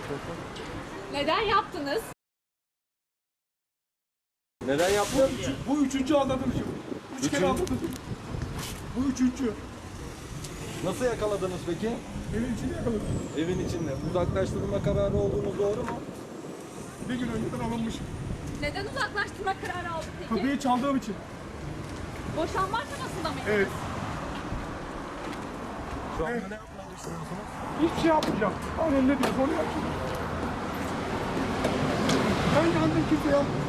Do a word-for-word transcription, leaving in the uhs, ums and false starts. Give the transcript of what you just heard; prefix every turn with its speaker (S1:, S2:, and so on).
S1: Neden yaptınız?
S2: Neden yaptın?
S3: Bu üçüncü aldatılışım. Üç
S2: Üçüncü.
S3: kere aldatıldım. Bu üçüncü.
S2: Nasıl yakaladınız peki?
S3: Evin içinde yakaladım.
S2: Evin içinde. Uzaklaştırma kararı olduğunuz doğru mu?
S3: Bir gün önceden alınmış.
S1: Neden uzaklaştırma kararı aldın peki?
S3: Kapıyı çaldığım için.
S1: Boşanma aşamasında mı?
S3: Evet.
S2: Şu anda
S3: Evet.
S2: ne yapmayı düşünüyorsunuz?
S3: Hiçbir şey yapmayacağım. Annem ne diyorsa onu yapacağım. Ben yandım, kimse yapmıyor.